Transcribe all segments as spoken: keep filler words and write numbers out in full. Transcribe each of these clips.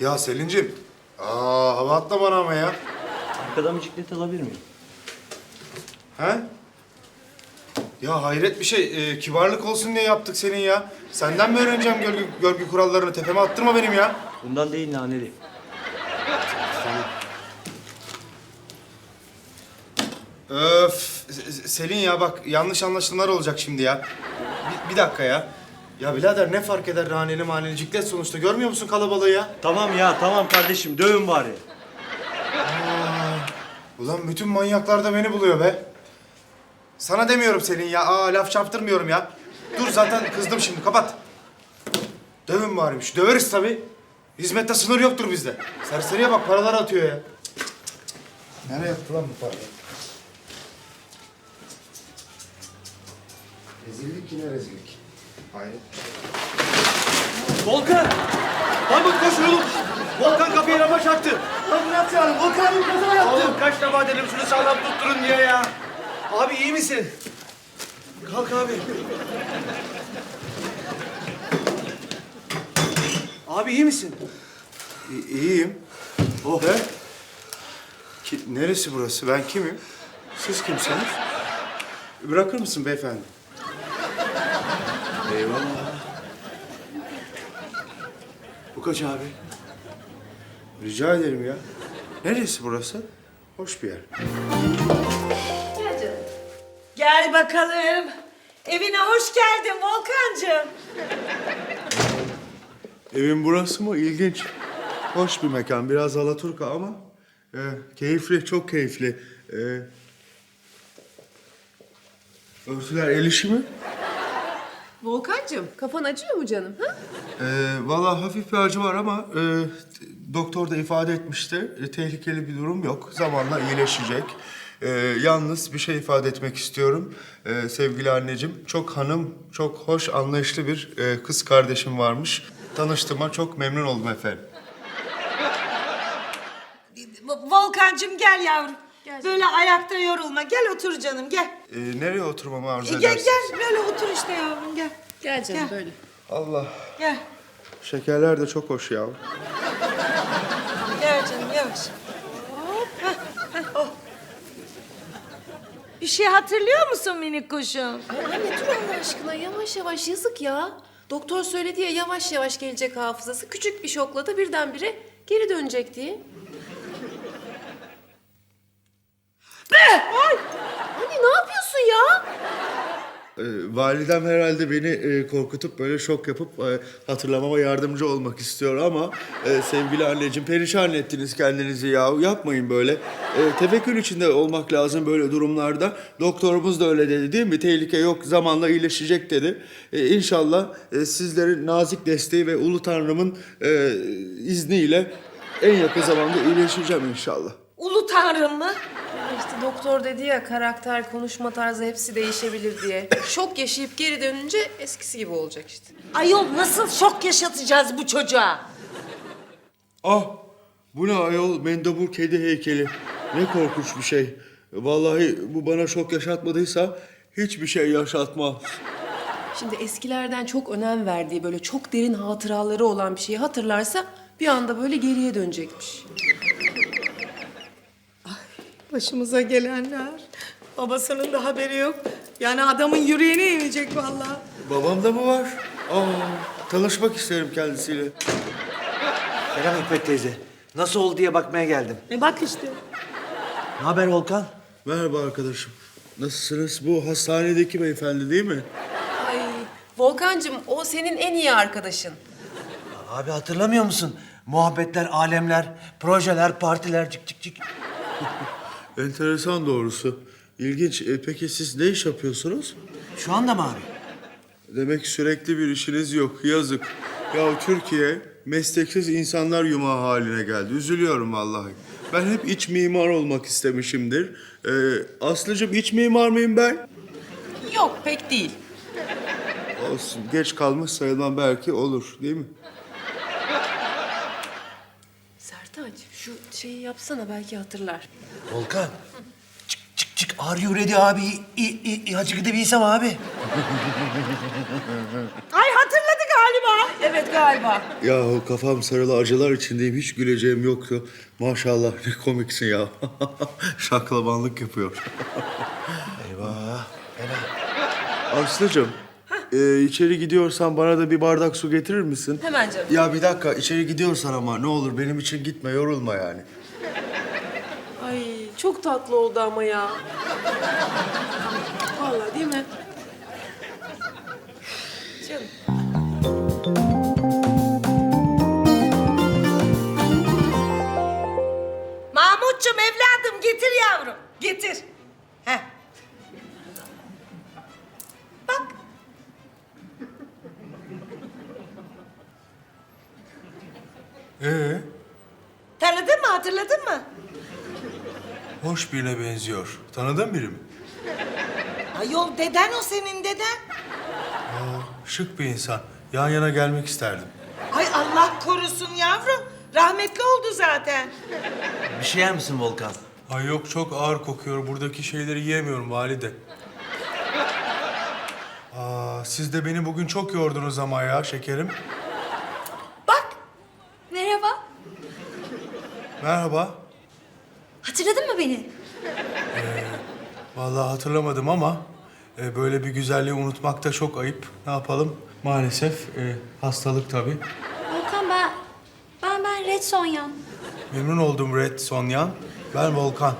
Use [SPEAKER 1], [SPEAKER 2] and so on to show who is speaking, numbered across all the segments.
[SPEAKER 1] Ya Selin'cim. Aa, hava atma bana ama ya.
[SPEAKER 2] Arkadan bisiklet alabilir miyim?
[SPEAKER 1] He? Ya hayret bir şey. Ee, kibarlık olsun diye yaptık senin ya. Senden mi öğreneceğim görgü, görgü kurallarını? Tepeme attırma benim ya.
[SPEAKER 2] Bundan değil naneli.
[SPEAKER 1] Öf. Selin ya bak yanlış anlaşılmalar olacak şimdi ya. Bir, bir dakika ya. Ya birader ne fark eder raneli maneli ciklet sonuçta. Görmüyor musun kalabalığı ya?
[SPEAKER 2] Tamam ya tamam kardeşim dövün bari.
[SPEAKER 1] Ulan bütün manyaklar da beni buluyor be. Sana demiyorum Selin ya. Aa laf çarptırmıyorum ya. Dur zaten kızdım şimdi kapat. Dövün barimiş. Döveriz tabii. Hizmette sınır yoktur bizde. Serseriye bak paralar atıyor ya. Nereye yattı lan bu para? Rezillik yine rezillik. Hayır.
[SPEAKER 2] Volkan! Mahmut koş oğlum! Volkan kapıya rama çarptı.
[SPEAKER 3] Lan Murat ya, Volkan bir kaza yaptı.
[SPEAKER 2] Oğlum kaç defa dedim şunu sağlam tutturun diye ya. Abi iyi misin? Kalk abi. Abi iyi misin?
[SPEAKER 1] İ- iyiyim. Oh. He? Ki, neresi burası? Ben kimim? Siz kimsiniz? Bırakır mısın beyefendi?
[SPEAKER 2] Eyvallah. Bu kaç abi?
[SPEAKER 1] Rica ederim ya. Neresi burası? Hoş bir yer.
[SPEAKER 4] Gel canım. Gel bakalım. Evine hoş geldin Volkancığım.
[SPEAKER 1] Evin burası mı? İlginç. Hoş bir mekan. Biraz alaturka ama e, keyifli, çok keyifli. E, örtüler el işi mi?
[SPEAKER 5] Volkancığım, kafan acıyor mu canım? Ha?
[SPEAKER 1] E, vallahi hafif bir acı var ama e, doktor da ifade etmişti. E, tehlikeli bir durum yok. Zamanla iyileşecek. E, yalnız bir şey ifade etmek istiyorum. E, sevgili anneciğim, çok hanım, çok hoş, anlayışlı bir e, kız kardeşim varmış. Tanıştığıma çok memnun oldum efendim.
[SPEAKER 4] Volkancığım gel yavrum.
[SPEAKER 5] Gel
[SPEAKER 4] Böyle ayakta yorulma. Gel otur canım gel.
[SPEAKER 1] E, nereye oturmamı arzu
[SPEAKER 4] E, gel
[SPEAKER 1] edersiniz?
[SPEAKER 4] gel böyle otur işte yavrum gel.
[SPEAKER 5] Gel canım
[SPEAKER 4] Gel.
[SPEAKER 5] böyle.
[SPEAKER 1] Allah.
[SPEAKER 4] Gel.
[SPEAKER 1] Şekerler de çok hoş ya.
[SPEAKER 4] Gel canım yavaş. Hah, hah, oh. Bir şey hatırlıyor musun minik kuşum?
[SPEAKER 5] Ay anne dur Allah aşkına yavaş yavaş yazık ya. Doktor söyledi ya yavaş yavaş gelecek hafızası. Küçük bir şokla da birdenbire geri dönecek diye. Ay! Anne ne yapıyorsun ya?
[SPEAKER 1] Ee, validem herhalde beni e, korkutup böyle şok yapıp e, hatırlamama yardımcı olmak istiyor ama e, sevgili anneciğim perişan ettiniz kendinizi ya. Yapmayın böyle. E, tefekkür içinde olmak lazım böyle durumlarda. Doktorumuz da öyle dedi değil mi? Tehlike yok, zamanla iyileşecek dedi. E, İnşallah e, sizlerin nazik desteği ve Ulu Tanrım'ın e, izniyle en yakın zamanda iyileşeceğim inşallah.
[SPEAKER 4] Ulu Tanrım mı?
[SPEAKER 5] İşte doktor dedi ya karakter, konuşma tarzı hepsi değişebilir diye. Şok yaşayıp geri dönünce eskisi gibi olacak işte.
[SPEAKER 4] Ayol nasıl şok yaşatacağız bu çocuğa?
[SPEAKER 1] Ah! Bu ne ayol? Mendebur kedi heykeli. Ne korkunç bir şey. Vallahi bu bana şok yaşatmadıysa hiçbir şey yaşatmaz.
[SPEAKER 5] Şimdi eskilerden çok önem verdiği böyle çok derin hatıraları olan bir şeyi hatırlarsa bir anda böyle geriye dönecekmiş.
[SPEAKER 4] Başımıza gelenler. Babasının da haberi yok. Yani adamın yüreğine inecek vallahi.
[SPEAKER 1] Babam da mı var? Aa, tanışmak isterim kendisiyle.
[SPEAKER 2] Selam Hikmet teyze. Nasıl oldu diye bakmaya geldim.
[SPEAKER 4] E bak işte.
[SPEAKER 2] Ne haber Volkan?
[SPEAKER 1] Merhaba arkadaşım. Nasılsınız? Bu hastanedeki beyefendi değil mi?
[SPEAKER 5] Ay Volkancığım o senin en iyi arkadaşın.
[SPEAKER 2] Abi hatırlamıyor musun? Muhabbetler, alemler, projeler, partiler cik cik cik.
[SPEAKER 1] Enteresan doğrusu. İlginç. E, peki siz ne iş yapıyorsunuz?
[SPEAKER 2] Şu anda mı abi?
[SPEAKER 1] Demek sürekli bir işiniz yok. Yazık. Ya Türkiye mesleksiz insanlar yumağı haline geldi. Üzülüyorum vallahi. Ben hep iç mimar olmak istemişimdir. Ee, Aslıcığım iç mimar mıyım ben?
[SPEAKER 5] Yok pek değil.
[SPEAKER 1] Olsun. Geç kalmış sayılmam belki olur değil mi?
[SPEAKER 5] Sertaç şu şeyi yapsana belki hatırlar.
[SPEAKER 2] Volkan. Çık çık çık. Are you ready abi? İ, i, i, hacı gidebilsem abi.
[SPEAKER 4] Ay hatırladı galiba.
[SPEAKER 5] Evet Evet galiba.
[SPEAKER 1] Yahu kafam sarılı acılar içindeyim. Hiç güleceğim yoktu. Maşallah ne komiksin ya. Şaklabanlık yapıyor.
[SPEAKER 2] Eyvah.
[SPEAKER 1] Aslıcığım, e, içeri gidiyorsan bana da bir bardak su getirir misin?
[SPEAKER 5] Hemen canım.
[SPEAKER 1] Ya bir dakika, içeri gidiyorsan ama ne olur benim için gitme, yorulma yani.
[SPEAKER 5] Ay çok tatlı oldu ama ya. Vallahi değil mi? Canım.
[SPEAKER 4] Mahmutcuğum evladım getir yavrum. Getir. Heh. Bak.
[SPEAKER 6] Ee,
[SPEAKER 4] Tanıdın mı, hatırladın mı?
[SPEAKER 6] hoş birine benziyor. Tanıdığın biri mi?
[SPEAKER 4] Ayol deden o senin deden.
[SPEAKER 6] Şık bir insan. Yan yana gelmek isterdim.
[SPEAKER 4] Ay Allah korusun yavrum. Rahmetli oldu zaten.
[SPEAKER 2] Bir şey yer misin Volkan?
[SPEAKER 6] Ay yok, çok ağır kokuyor. Buradaki şeyleri yiyemiyorum valide. Aa, siz de beni bugün çok yordunuz ama ya şekerim.
[SPEAKER 7] Bak. Merhaba.
[SPEAKER 6] Merhaba.
[SPEAKER 7] Hatırladın mı beni?
[SPEAKER 6] Vallahi hatırlamadım ama e, böyle bir güzelliği unutmak da çok ayıp. Ne yapalım? Maalesef e, hastalık tabii.
[SPEAKER 7] Volkan ben... Ben ben Red Sonyan.
[SPEAKER 6] Memnun oldum Red Sonyan. Ben Volkan.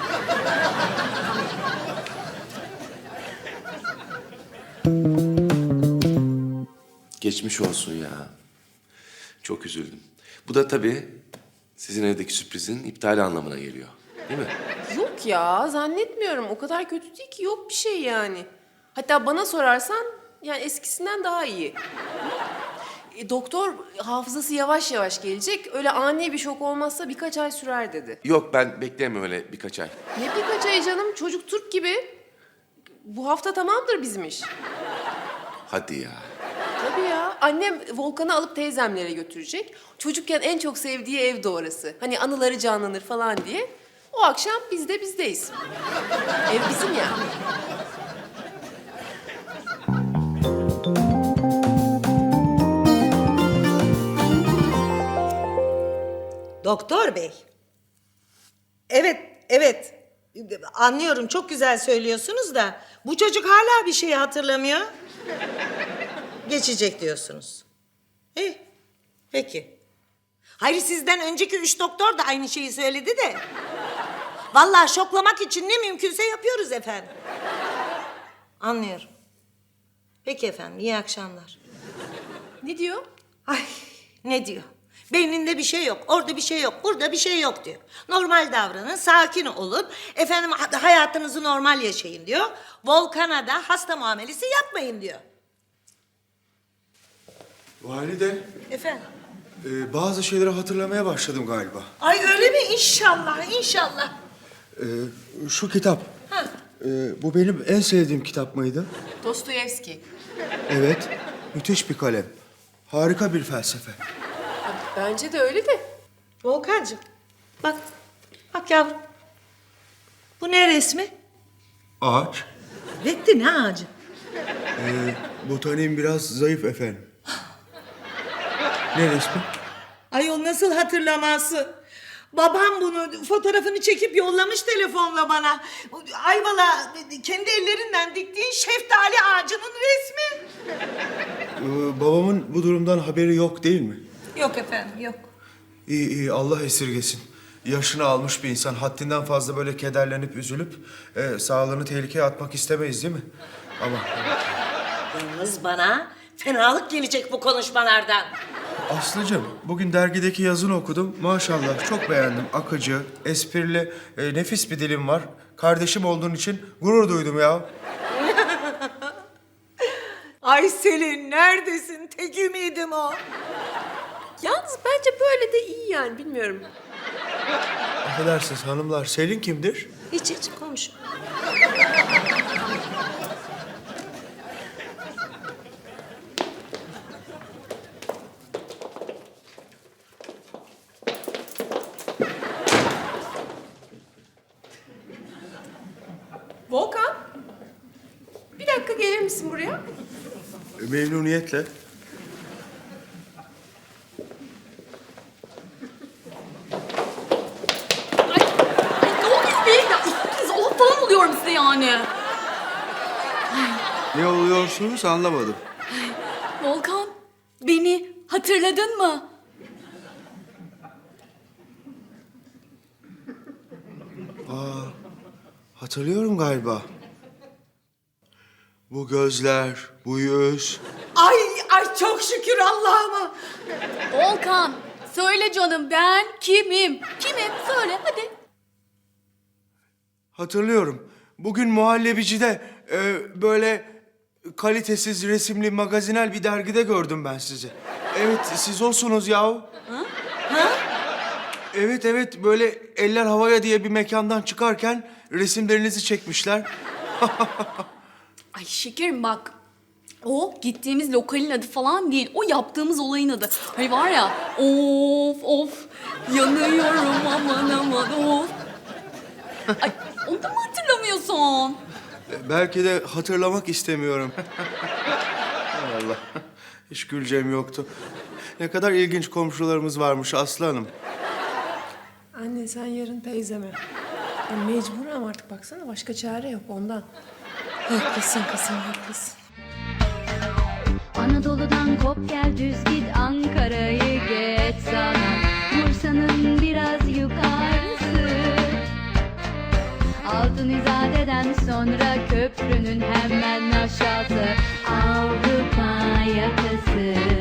[SPEAKER 8] Geçmiş olsun ya. Çok üzüldüm. Bu da tabii sizin evdeki sürprizin iptali anlamına geliyor. Değil mi?
[SPEAKER 5] Yok ya zannetmiyorum. O kadar kötü değil ki. Yok bir şey yani. Hatta bana sorarsan yani eskisinden daha iyi. E, doktor hafızası yavaş yavaş gelecek. Öyle ani bir şok olmazsa birkaç ay sürer dedi.
[SPEAKER 8] Yok, ben bekleyemem öyle birkaç ay.
[SPEAKER 5] Ne birkaç ay canım? Çocuk Türk gibi. Bu hafta tamamdır bizim iş.
[SPEAKER 8] Hadi ya.
[SPEAKER 5] Tabii ya. Annem Volkan'ı alıp teyzemlere götürecek. Çocukken en çok sevdiği ev de orası. Hani anıları canlanır falan diye. O akşam biz de bizdeyiz. Ev bizim yani.
[SPEAKER 4] Doktor bey. Evet, evet. Anlıyorum, çok güzel söylüyorsunuz da... ...bu çocuk hala bir şeyi hatırlamıyor. Geçecek diyorsunuz. İyi, peki. Hayır, sizden önceki üç doktor da aynı şeyi söyledi de... ...vallahi şoklamak için ne mümkünse yapıyoruz efendim. Anlıyorum. Peki efendim, iyi akşamlar.
[SPEAKER 5] Ne diyor?
[SPEAKER 4] Ay, ne diyor? Beyninde bir şey yok, orada bir şey yok, burada bir şey yok diyor. Normal davranın, sakin olun. Efendim ha- hayatınızı normal yaşayın diyor. Volkan'a da hasta muamelesi yapmayın diyor.
[SPEAKER 1] Valide,
[SPEAKER 4] Efendim?
[SPEAKER 1] e, bazı şeyleri hatırlamaya başladım galiba.
[SPEAKER 4] Ay öyle mi? İnşallah, inşallah.
[SPEAKER 1] E, şu kitap,
[SPEAKER 4] Ha.
[SPEAKER 1] e, bu benim en sevdiğim kitap mıydı?
[SPEAKER 5] Dostoyevski.
[SPEAKER 1] Evet, müthiş bir kalem. Harika bir felsefe.
[SPEAKER 5] Bence de öyle de.
[SPEAKER 4] Volkancığım, bak, bak yavrum. Bu ne resmi?
[SPEAKER 1] Ağaç.
[SPEAKER 4] Bekle, ne ağacı?
[SPEAKER 1] Botaniğim biraz zayıf efendim. Ne resmi?
[SPEAKER 4] Ayol nasıl hatırlamazsın? Babam bunu fotoğrafını çekip yollamış telefonla bana. Ayvalı kendi ellerinden diktiği şeftali ağacının resmi.
[SPEAKER 1] Ee, babamın bu durumdan haberi yok değil mi?
[SPEAKER 4] Yok efendim, yok.
[SPEAKER 1] İyi iyi, Allah esirgesin. Yaşını almış bir insan haddinden fazla böyle kederlenip üzülüp e, sağlığını tehlikeye atmak istemeyiz değil mi? Ama
[SPEAKER 4] Yalnız bana fenalık gelecek bu konuşmalardan.
[SPEAKER 1] Aslıcığım, bugün dergideki yazını okudum. Maşallah çok beğendim. Akıcı, esprili, e, nefis bir dilim var. Kardeşim olduğun için gurur duydum ya.
[SPEAKER 4] Ay Selin, neredesin? Tek ümidim o.
[SPEAKER 5] Yalnız bence böyle de iyi yani bilmiyorum.
[SPEAKER 1] Affedersiniz hanımlar, Selin kimdir?
[SPEAKER 4] Hiç hiç konuş.
[SPEAKER 5] Volkan. Bir dakika gelir misin buraya?
[SPEAKER 1] E, Memnuniyetle.
[SPEAKER 9] yani.
[SPEAKER 1] Ne oluyorsunuz anlamadım.
[SPEAKER 9] Volkan, beni hatırladın mı?
[SPEAKER 1] Hatırlıyorum galiba. Bu gözler, bu yüz.
[SPEAKER 4] Ay ay çok şükür Allah'ıma.
[SPEAKER 9] Volkan, söyle canım ben kimim? Kimim? Söyle hadi.
[SPEAKER 1] Hatırlıyorum. Bugün muhallebicide e, böyle kalitesiz resimli magazinel bir dergide gördüm ben sizi. Evet, siz olsunuz yahu. Ha? Ha? Evet, evet. Böyle Eller Havaya diye bir mekandan çıkarken resimlerinizi çekmişler.
[SPEAKER 9] Ay şekerim bak. O gittiğimiz lokalin adı falan değil. O yaptığımız olayın adı. Hani var ya of of yanıyorum aman aman of. Ay onu da mı hatırlamıyorsun?
[SPEAKER 1] Belki de hatırlamak istemiyorum. Hay Allah. Hiç güleceğim yoktu. Ne kadar ilginç komşularımız varmış Aslı Hanım.
[SPEAKER 5] Anne sen yarın teyzeme. Ya mecburen artık baksana başka çare yok ondan. Haklısın kızım haklısın.
[SPEAKER 10] Anadolu'dan kop gel düz git Ankara'yı geç sana Bursa'nın biraz yukarısı Altın İzade'den sonra köprünün hemen aşağısı Avrupa yakası